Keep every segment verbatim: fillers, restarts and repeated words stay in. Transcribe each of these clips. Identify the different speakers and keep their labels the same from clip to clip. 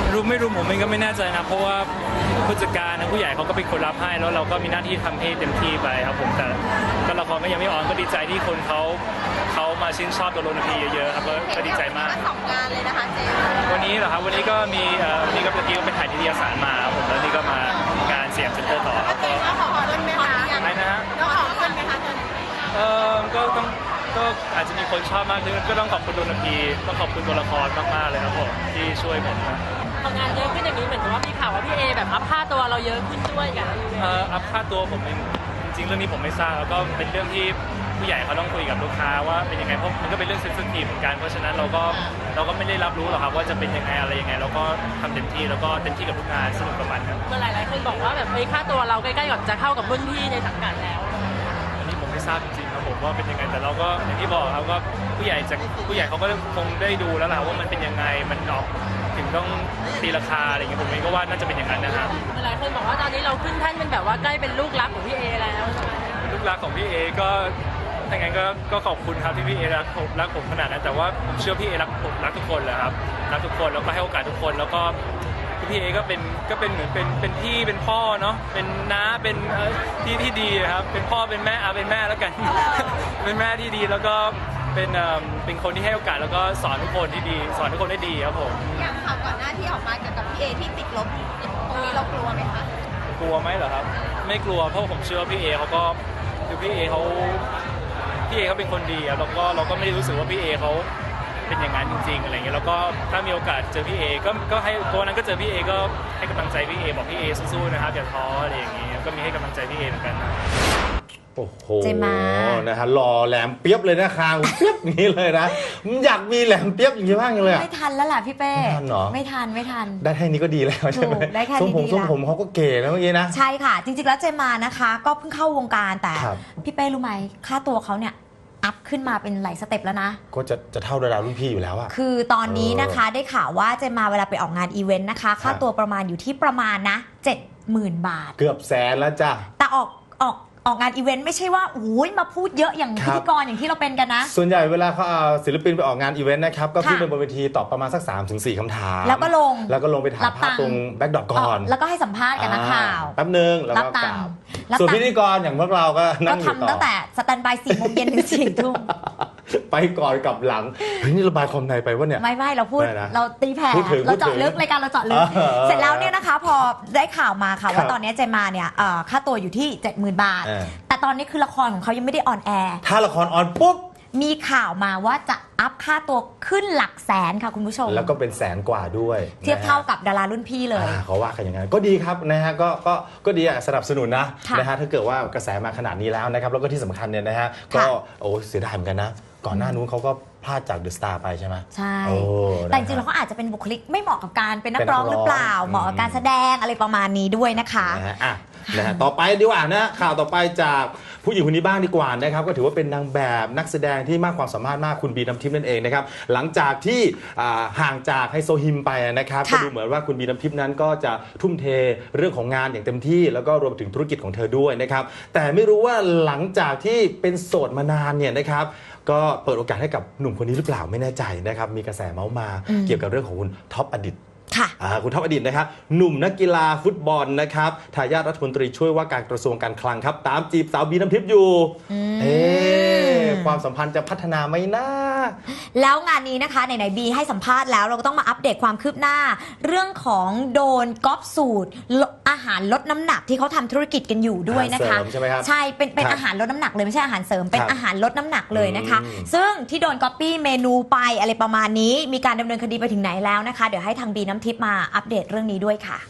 Speaker 1: รู้ไม่รู้ผมเองก็ไม่แน่ใจนะเพราะว่าผู้จัดการนะผู้ใหญ่เขาก็เป็นคนรับให้แล้วเราก็มีหน้าที่ทำให้เต็มที่ไปครับผมแต่ก็ละครก็ยังไม่ออนก็ดีใจที่คนเขาเขามาชื่นชอบตัวโรนพีเยอะๆครับก็ดีใจมาก
Speaker 2: สองงานเลยนะคะเจ
Speaker 1: วันนี้เหรอครับวันนี้ก็มีวันนี้ก็เมื่อกี้ก็ไปถ่ายนิตยสารมาครับผมแล้วนี่ก็มางานเสียงเซ็นเตอร์ต่อครับก็
Speaker 2: ก็ขอเงินไหมคะ
Speaker 1: อะไรนะฮะ
Speaker 2: ก็ขอเงินไหมคะ
Speaker 1: เออก็ต้องก็อาจจะมีคนชอบมากขึ้นก็ต้องขอบคุณโรนพีต้องขอบคุณตัวละครมากๆเลยครับผมที่ช่วยผมนะ
Speaker 3: ทำงานเยอะขึ้นอย่างนี้เหมือนกับว่ามีข่าวว่าพี่เอแบบอัพค่าตัวเราเยอะขึ้นด้วยกัน
Speaker 1: เอ่ออัพค่าตัวผมเองจริงๆเรื่องนี้ผมไม่ทราบแล้วก็เป็นเรื่องที่ผู้ใหญ่เขาต้องคุยกับลูกค้าว่าเป็นยังไงเพราะมันก็เป็นเรื่องเซนซิทีฟเหมือนกันเพราะฉะนั้นเราก็เราก็ไม่ได้รับรู้หรอกครับว่าจะเป็นยังไงอะไรยังไงเราก็ทำเต็มที่แล้วก็เต็มที่กับทุกงานสนุกกับมันครับ
Speaker 3: เมื่อหลายๆคนบอกว่าแบบเฮ้ยค่าตัวเราใกล้ๆกับจะเข้ากับรุ่นพี่ในสังกัดแล้ว
Speaker 1: อันนี้ผมไม่ทราบจริงๆครับผมว่าเป็นยังไงแต่เราก็อย่างที่บอกครับว่าผู้ใหญ่จะผู้ใหญ่เขาก็คงได้ดูแล้วแหละว่ามันเป็นยังไงมันออกถึงต้องตีราคาอะไรอย่างเงี้ยผมเองก็ว่าน่าจะเป็นอย่างนั้นนะครับ
Speaker 3: หลายคนบอกว่าตอนนี้เราขึ้นแท่นเป็นแบบว่าใกล้เป็นลูกรักของพี่เอแล้วใช่ไหม
Speaker 1: ลูกรักของพี่เอก็ถ้างั้นก็ก็ขอบคุณครับที่พี่เอรักผมรักผมขนาดนั้นแต่ว่าผมเชื่อพี่เอรักผมรักทุกคนแหละครับรักทุกคนแล้วก็ให้โอกาสทุกคนแล้วก็พี่เอก็เป็นก็เป็นเหมือนเป็นเป็นพี่เป็นพ่อเนาะเป็นน้าเป็นที่ที่ดีครับเป็นพ่อเป็นแม่เอาเป็นแม่แล้วกันเป็นแม่ที่ดีแล้วก็เป็นเป็นคนที่ให้โอกาสแล้วก็สอนทุกคนที่ดีสอนทุกคนได้ดีครับผม
Speaker 2: อย่างข่าวก่อนหน้าที่ออกมาเกี่ยวกับพี่เอที่ติดลบตรงนี้เรากลัวไหมคะ
Speaker 1: กลัวไหมเหรอครับไม่กลัวเพราะผมเชื่อว่าพี่เอเขาก็คือพี่เอเขาพี่เอเขาเป็นคนดีแล้วก็เราก็ไม่ได้รู้สึกว่าพี่เอเขาเป็นอย่างนั้นจริงๆอะไรเงี้ยแล้วก็ถ้ามีโอกาสเจอพี่เอก็ก็ให้ตัวนั้นก็เจอพี่เอก็ให้กำลังใจพี่เอบอกพี่เอสู้ๆนะครับอย่าท้ออะไรอย่างเงี้ยก็มีให้กำลังใจพี่เอเหมือนกันนะ
Speaker 4: โอ้โหนะฮะหล่อแหลมเปียบเลยนะคางเปียบอย่างนี้เลยนะอยากมีแหลมเปียบอย่างนี้บ้างเลย
Speaker 5: ไม่ทันแล้วล่ะพี่เป้ไม่ทันหรอไม่ทันไม่ทัน
Speaker 4: ได้แค่นี้ก็ดีแล้วใช่ไหม
Speaker 5: ได้แค่นี้
Speaker 4: ทรงผมทรงผมเขาก็เก๋นะเมื่อกี้นะ
Speaker 5: ใช่ค่ะจริงๆแล้วเจมานะคะก็เพิ่งเข้าวงการแต่พี่เป้รู้ไหมค่าตัวเขาเนี่ยอัพขึ้นมาเป็นหลายสเต็ปแล้วนะ
Speaker 4: ก็จะจะเท่าดารารุ่นพี่อยู่แล้วอะ
Speaker 5: คือตอนนี้นะคะได้ข่าวว่าเจมาเวลาไปออกงานอีเวนต์นะคะค่าตัวประมาณอยู่ที่ประมาณนะ เจ็ดหมื่น บาท
Speaker 4: เกือบแสนแล้วจ้ะ
Speaker 5: แต่ออกออกออกงานอีเวนต์ไม่ใช่ว่าโอ้ยมาพูดเยอะอย่างพิธีกรอย่างที่เราเป็นกันนะ
Speaker 4: ส่วนใหญ่เวลาเขาเอาศิลปินไปออกงานอีเวนต์นะครับก็ขึ้นไปบนเวทีตอบประมาณสัก สามถึงสี่ คำถาม
Speaker 5: แล้วก็ลง
Speaker 4: แล้วก็ลงไปถ่ายภาพตรงแบ็คดรอปก่อน
Speaker 5: แล้วก็ให้สัมภาษณ์กับนักข่าว
Speaker 4: แป๊บนึงแล้วก็กลับส่วนพิธีกรอย่างพวกเราก็นั่งอยู่ต่อ
Speaker 5: ก็ทำตั้งแต่สแตนบายสี่โมงเย็นถึงสี่ทุ่ม
Speaker 4: ไปก่อนกับหลังเฮ้ยนี่ระบายความในไปวะเนี่ย
Speaker 5: ไม่ไม่เราพูดเราตีแผ่เราเจาะลึกรายการเราเจาะลึกเสร็จแล้วเนี่ยนะคะพอได้ข่าวมาค่ะว่าตอนนี้เจมาเนี่ยค่าตัวอยู่ที่ เจ็ดหมื่น บาทแต่ตอนนี้คือละครของเขายังไม่ได้ออนแอร์
Speaker 4: ถ้าละครออนปุ๊บ
Speaker 5: มีข่าวมาว่าจะอัพค่าตัวขึ้นหลักแสนค่ะคุณผู้ชม
Speaker 4: แล้วก็เป็นแสนกว่าด้วย
Speaker 5: เทียบเท่ากับดารารุ่นพี่เลย
Speaker 4: เขาว่ากันอย่างนั้นก็ดีครับนะฮะก็ก็ก็ดีอ่ะสนับสนุนนะนะฮะถ้าเกิดว่ากระแสมาขนาดนี้แล้วนะครับแล้วก็ที่สำคัญเนี่ยนะฮะก็โอ้เสียดายเหมือนกันนะก่อนหน้านู้นเขาก็พลาดจากเดอะสตาร์ไปใช่ไหม
Speaker 5: ใช่แต่จริงๆแล้วเขาอาจจะเป็นบุคลิกไม่เหมาะกับการเป็นนักร้องหรือเปล่าเหมาะกับการแสดงอะไรประมาณนี้ด้วยนะคะ
Speaker 4: นะฮะต่อไปดีกว่านะข่าวต่อไปจากผู้หญิงคนนี้บ้างดีกว่านะครับก็ถือว่าเป็นนางแบบนักแสดงที่มากความสามารถมากคุณบีน้ำทิพย์นั่นเองนะครับหลังจากที่ห่างจากไฮโซฮิมไปนะครับก็ดูเหมือนว่าคุณบีน้ำทิพย์นั้นก็จะทุ่มเทเรื่องของงานอย่างเต็มที่แล้วก็รวมถึงธุรกิจของเธอด้วยนะครับแต่ไม่รู้ว่าหลังจากที่เป็นโสดมานานเนี่ยนะครับก็เปิดโอกาสให้กับหนุ่มคนนี้หรือเปล่าไม่แน่ใจนะครับมีกระแสเมาส์มาเกี่ยวกับเรื่องของคุณท็อปอดิตคุณท็อปอดิตนะครับหนุ่มนักกีฬาฟุตบอลนะครับทายาทรัฐมนตรีช่วยว่าการกระทรวงการคลังครับตามจีบสาวบีน้ำทิพย์อยู่เอ๊ความสัมพันธ์จะพัฒนาไหมนะ
Speaker 5: แล้วงานนี้นะคะไหนๆบีให้สัมภาษณ์แล้วเราก็ต้องมาอัปเดตความคืบหน้าเรื่องของโดนก๊อปสูตรอาหารลดน้ำหนักที่เขาทำธุรกิจกันอยู่ด้วยนะคะ
Speaker 4: ใช่ไหมครับ
Speaker 5: ใช่เป็นเป็นอาหารลดน้ำหนักเลยไม่ใช่อาหารเสริมเป็นอาหารลดน้ำหนักเลยนะคะซึ่งที่โดนก๊อปปี้เมนูไปอะไรประมาณนี้มีการดำเนินคดีไปถึงไหนแล้วนะคะเดี๋ยวให้ทางบีน้ำทิพย์มาอัปเดตเรื่องนี้ด้วยค่ะ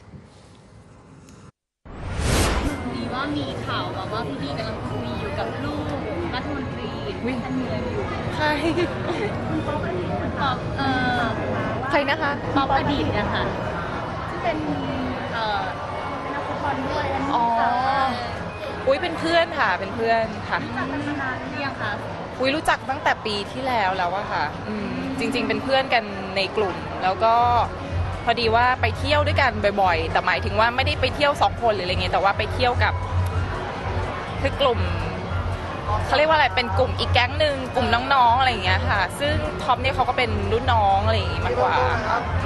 Speaker 2: มีว่ามีข่าวว่าพี่บีกำลังคุยอยู่กับลูกรัฐมนตรีท่านเมืองอยู่
Speaker 3: ใคร
Speaker 2: คุณป๊อปอดีตป๊อปเอ่อ
Speaker 3: ใครนะคะ
Speaker 2: ป๊อปอดีตนะคะที่เป็นเอ่อนักฟุตบอลด้วย
Speaker 3: อ๋ออุ้ยเป็นเพื่อนค่ะเป็นเพื่อนค่ะ
Speaker 2: รู้จักกันมานานหรือยังคะ
Speaker 3: อุ้ยรู้จักตั้งแต่ปีที่แล้วแล้วอะค่ะจริงๆเป็นเพื่อนกันในกลุ่มแล้วก็พอดีว่าไปเที่ยวด้วยกันบ่อยๆแต่หมายถึงว่าไม่ได้ไปเที่ยวสองคนหรืออะไรเงี้ยแต่ว่าไปเที่ยวกับคือกลุ่มเขาเรียกว่าอะไรเป็นกลุ่มอีกแก๊งหนึ่งกลุ่มน้องๆอะไรอย่างเงี้ยค่ะซึ่งท็อปเนี่ยเขาก็เป็นรุ่นน้องอะไรอย่างงี้มากกว่า
Speaker 2: เขา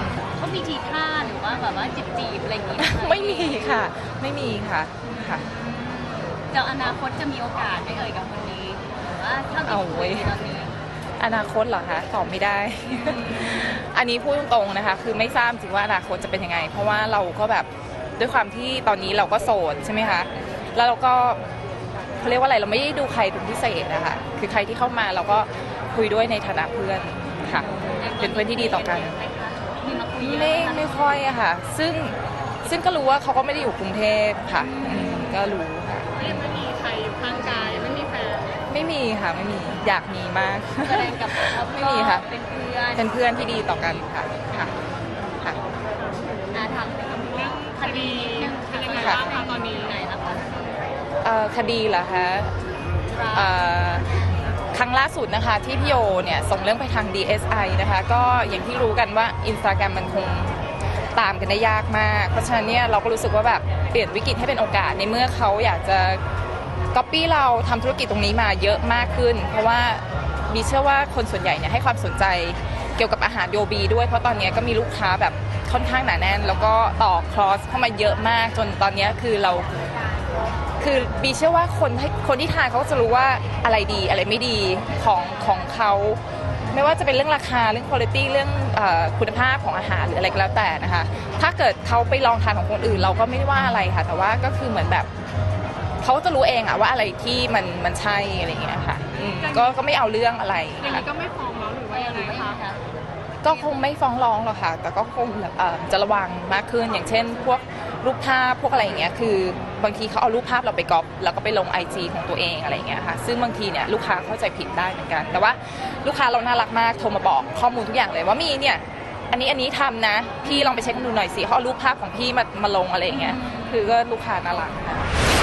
Speaker 2: เขามีทีท่าหรือว่าแบบว่าจีบจีบอะไรอย่างงี้ไหคะ
Speaker 3: ไม่มีค่ะ ไม่มีค่ะค่ะ
Speaker 2: เจ้าอนาคตจะมีโอกาสได้เอ่ยกับคนนี้หรือว่าเท่าที่
Speaker 3: เอา
Speaker 2: คุ
Speaker 3: เว้
Speaker 2: ย
Speaker 3: ย
Speaker 2: ตอนนี้
Speaker 3: อนาคตเหรอคะตอบไม่ได้ อันนี้พูดตรงๆนะคะ คือไม่ทราบจริงว่าอนาคตจะเป็นยังไง เพราะว่าเราก็แบบด้วยความที่ตอนนี้เราก็โสดใช่ไหมคะแล้วเราก็เขาเรียกว่าอะไรเราไม่ได้ดูใครเป็นพิเศษนะคะคือใครที่เข้ามาเราก็คุยด้วยในฐานะเพื่อนค่ะ เป็นเพื่อนที่ดีต่อกัน
Speaker 2: มีมาคุยเยอะ
Speaker 3: ไม่
Speaker 2: หคะ
Speaker 3: ไม่ค่อยอะค่ะ ซึ่งซึ่งก็รู้ว่าเขาก็ไม่ได้อยู่กรุงเทพค่ะอืมก็รู้ค่ะ
Speaker 2: ไม่มีใครอยู่ข้างกายไม่มีแฟน
Speaker 3: ไม่มีค่ะไม่มีอยากมีมาก
Speaker 2: แสดงกับเขา
Speaker 3: ไม่มีค่ะ
Speaker 2: เป็นเพื่อน
Speaker 3: เป็นเพื่อนที่ดีต่อกันค่ะค่ะค่ะ
Speaker 2: อาถามเรื่องคดีเป็นยังไงบ้างคะตอนนี้ไหนแล้วคะ
Speaker 3: เอ่อคดีเหรอคะเอ่อครั้งล่าสุดนะคะที่พี่โอเนี่ยส่งเรื่องไปทาง ดี เอส ไอ นะคะก็อย่างที่รู้กันว่า Instagram มันคงตามกันได้ยากมาก เพราะฉะนั้นเนี่ยเราก็รู้สึกว่าแบบเปลี่ยนวิกฤตให้เป็นโอกาสในเมื่อเขาอยากจะก๊อปปี้เราทำธุรกิจตรงนี้มาเยอะมากขึ้น เพราะว่าบีเชื่อว่าคนส่วนใหญ่เนี่ยให้ความสนใจเกี่ยวกับอาหารโยบีด้วยเพราะตอนนี้ก็มีลูกค้าแบบค่อนข้างหนาแน่น แล้วก็ต่อคลอสเข้ามาเยอะมากจนตอนนี้คือเราคือบีเชื่อว่าคนให้คนที่ทานเขาก็จะรู้ว่าอะไรดีอะไรไม่ดีของของเขาไม่ว่าจะเป็นเรื่องราคาเรื่องคุณภาพเรื่องเออคุณภาพของอาหารหรืออะไรก็แล้วแต่นะคะถ้าเกิดเขาไปลองทานของคนอื่นเราก็ไม่ได้ว่าอะไรค่ะแต่ว่าก็คือเหมือนแบบเขาจะรู้เองอะว่าอะไรที่มันมันใช่อะไรอย่างเงี้ยค่ะอืมก็ก็ไม่เอาเรื่องอะไร
Speaker 2: อย่าง
Speaker 3: ค่ะ
Speaker 2: นี้ก็ไม่ฟ้องแล้วหรือว่ายังไงคะ
Speaker 3: ก็คงไม่ฟ้องร้องหรอกค่ะ แต่ก็คงแบบเอ่อจะระวังมากขึ้น อย่างเช่น พวกรูปภาพพวกอะไรอย่างเงี้ย คือบางทีเขาเอารูปภาพเราไปก๊อปแล้วก็ไปลง ไอ จี ของตัวเองอะไรอย่างเงี้ยค่ะ ซึ่งบางทีเนี่ยลูกค้าเข้าใจผิดได้เหมือนกัน แต่ว่าลูกค้าเราน่ารักมาก โทรมาบอกข้อมูลทุกอย่างเลยว่ามีเนี่ย อันนี้อันนี้ทำนะ พี่ลองไปเช็คดูหน่อยสิเขาเอารูปภาพของพี่มามาลงอะไรอย่างเงี้ย คือก็ลูกค้าน่ารักค่ะ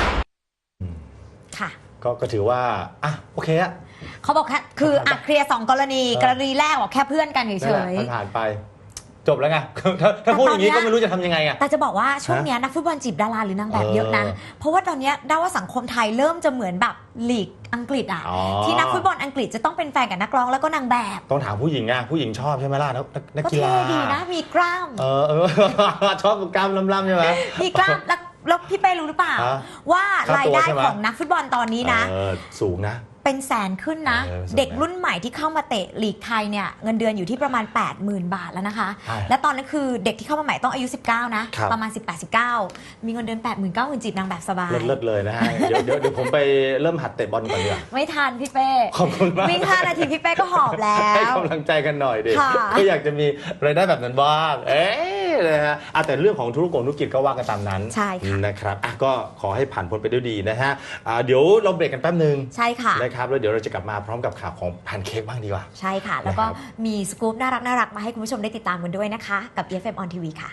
Speaker 5: ค่ะ
Speaker 4: ก็ก็ถือว่าอ่ะโอเคอะ
Speaker 5: เขาบอกแค่คืออ่ะเคลียร์สองกรณี
Speaker 4: เออ
Speaker 5: กรณีแรกบอกแค่เพื่อนกันเฉ
Speaker 4: นั่นแหละ
Speaker 5: ย
Speaker 4: มันผ่านไป จบแล้วไง ถ้าถ้าพูดอย่างนี้ก็ไม่รู้จะทำยังไงอะ
Speaker 5: ๆแต่จะบอกว่าช่วงเนี้ยนักฟุตบอลจีบดาราหรือนางแบบเยอะนะ
Speaker 4: เออ
Speaker 5: เพราะว่าตอนเนี้ยได้ว่าสังคมไทยเริ่มจะเหมือนแบบลีกอังกฤษอ่ะ
Speaker 4: อ๋อ
Speaker 5: ที่นักฟุตบอลอังกฤษจะต้องเป็นแฟนกับนักร้องแล้วก็นางแบบ
Speaker 4: ต้องถามผู้หญิงอะผู้หญิงชอบใช่ไหมล่ะนักนักนัก
Speaker 5: ก็
Speaker 4: กีฬา
Speaker 5: เท่ดีนะมีกล้าม
Speaker 4: เออเอ อ ชอบกล้ามล่ำๆใช่ไหม
Speaker 5: มีกล้ามแล้วแล้วพี่เป้รู้หรือเปล่า
Speaker 4: ฮะ
Speaker 5: ว่า
Speaker 4: ค่าตัว
Speaker 5: รายได้
Speaker 4: ใช่ไหม
Speaker 5: ของนักฟุตบอลตอนนี้นะ
Speaker 4: เออสูงนะ
Speaker 5: เป็นแสนขึ้นนะ
Speaker 4: เออสูงนะ
Speaker 5: เด็กรุ่นใหม่ที่เข้ามาเตะลีกไทยเนี่ยเงินเดือนอยู่ที่ประมาณ แปดหมื่น บาทแล้วนะคะ
Speaker 4: ใช่
Speaker 5: และตอนนั้นคือเด็กที่เข้ามาใหม่ต้องอายุ สิบเก้า นะ
Speaker 4: ครับ
Speaker 5: ประมาณ สิบแปด สิบเก้า มีเงินเดือน แปดหมื่น เก้าหมื่น จีบนางแบบสบาย
Speaker 4: เลิศๆเลยนะฮะ เดี๋ยวเดี๋ยวเดี๋ยวผมไปเริ่มหัดเตะบอลก่อนดีกว่า
Speaker 5: ไม่ทันพี่เป้
Speaker 4: ขอบคุณมาก
Speaker 5: วิ่งห้านาทีพี่เป้ก็หอบแล้
Speaker 4: ให้
Speaker 5: ว
Speaker 4: กำลังใจกันหน่อยดิ
Speaker 5: ค่ะ
Speaker 4: ก็อยากจะมีรายได้แบบนั้นบ้าง เอ๊ะนะฮะอ่ะแต่เรื่องของธุรกงธุรกิจก็ว่ากันตามนั้น
Speaker 5: ใช่ค่ะ
Speaker 4: นะครับอ่ะก็ขอให้ผ่านพ้นไปด้วยดีนะฮะอ่าเดี๋ยวเราเบรกกันแป๊บนึง
Speaker 5: ใช่ค่ะ
Speaker 4: นะครับแล้วเดี๋ยวเราจะกลับมาพร้อมกับข่าวของแพนเค้กบ้างดีกว่า
Speaker 5: ใช่ค่ะ แล้วก็
Speaker 4: นะครับ
Speaker 5: มีสกู๊ปน่ารักน่ารักมาให้คุณผู้ชมได้ติดตามกันด้วยนะคะ กับ อี เอฟ เอ็ม on ที วี ค่ะ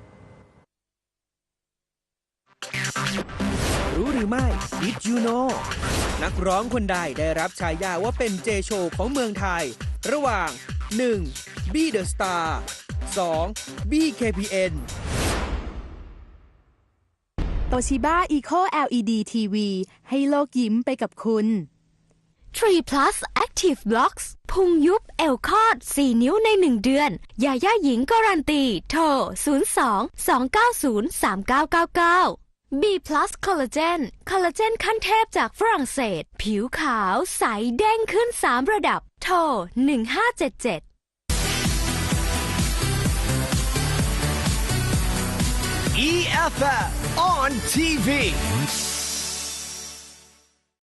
Speaker 6: รู้หรือไม่ Did you know นักร้องคนใดได้รับฉายาว่าเป็นเจโชของเมืองไทย ระหว่าง หนึ่ง B The Star สอง บี เค พี เอ็น
Speaker 7: โตชิบ้า Eco แอล อี ดี ที วี ให้โลกยิ้มไปกับคุณ
Speaker 8: ทรี plus Active Blocks พุงยุบเอวคอดสี่นิ้วในหนึ่งเดือน ยาย่าหญิงการันตี โทร ศูนย์ สอง สอง เก้า ศูนย์ สาม เก้า เก้า เก้า B plus Collagen คอลลาเจนขั้นเทพจากฝรั่งเศส ผิวขาวใสเด้งขึ้นสามระดับ โทร หนึ่ง ห้า เจ็ด เจ็ด
Speaker 6: อี เอฟ เอฟ on ที วี